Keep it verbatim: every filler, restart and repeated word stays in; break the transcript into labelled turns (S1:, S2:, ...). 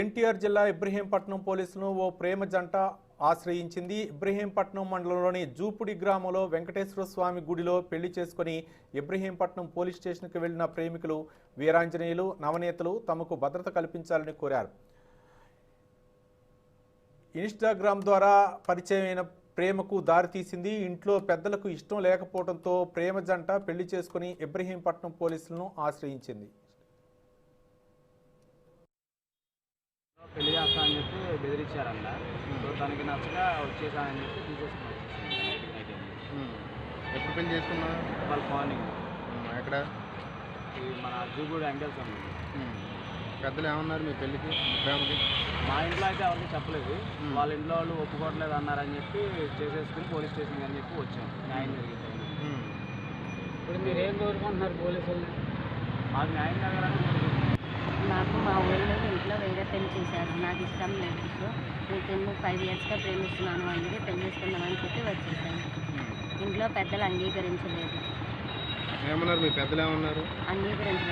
S1: ఎన్టీఆర్ జిల్లా ఇబ్రహీంపట్నం పోలీసులను ఓ ప్రేమ జంట ఆశ్రయించింది. ఇబ్రహీంపట్నం మండలంలోని జూపుడి గ్రామంలో వెంకటేశ్వర స్వామి గుడిలో పెళ్లి చేసుకుని ఇబ్రహీంపట్నం పోలీస్ స్టేషన్కు వెళ్లిన ప్రేమికులు వీరాంజనేయులు నవనేతలు తమకు భద్రత కల్పించాలని కోరారు. ఇన్స్టాగ్రామ్ ద్వారా పరిచయమైన ప్రేమకు దారితీసింది. ఇంట్లో పెద్దలకు ఇష్టం లేకపోవడంతో ప్రేమ జంట పెళ్లి చేసుకుని ఇబ్రహీంపట్నం పోలీసులను ఆశ్రయించింది.
S2: పెళ్లి చేస్తా అని చెప్పి బెదిరించారంట. సో తనకి నచ్చక వచ్చేసానని చెప్పి తీసేసుకున్నాను.
S3: ఎప్పుడు పెళ్లి చేసుకున్నా?
S2: వాళ్ళ మార్నింగ్.
S3: ఎక్కడ?
S2: ఈ మన జూగూడి వెంకటేశ్వర స్వామి.
S3: పెద్దలు ఏమన్నారు మీ పెళ్ళికి ప్రేమకి?
S2: మా ఇంట్లో అయితే ఎవరికి చెప్పలేదు. వాళ్ళ ఇంట్లో వాళ్ళు ఒప్పుకోవట్లేదు అన్నారని చెప్పి చేసేసుకుని పోలీస్ స్టేషన్కి అని చెప్పి వచ్చాం. న్యాయం జరిగింది.
S4: ఇప్పుడు మీరు ఏం కోరుకుంటున్నారు పోలీసులు?
S2: మాకు న్యాయం జరగాలని కోరుకుంటున్నాం.
S5: నాకు మా ఊళ్ళో ఇంట్లో వేరే పెళ్లి చేశారు. నాకు ఇష్టం లేదు. సో నేను ఫైవ్ ఇయర్స్గా ప్రేమిస్తున్నాను అందుకే పెళ్లి చేసుకుందామని చెప్పి వచ్చేసాను. ఇంట్లో పెద్దలు అంగీకరించలేదు.
S3: ఏమన్నారు మీ పెద్దలు? ఏమన్నారు?
S5: అంగీకరించలేదు.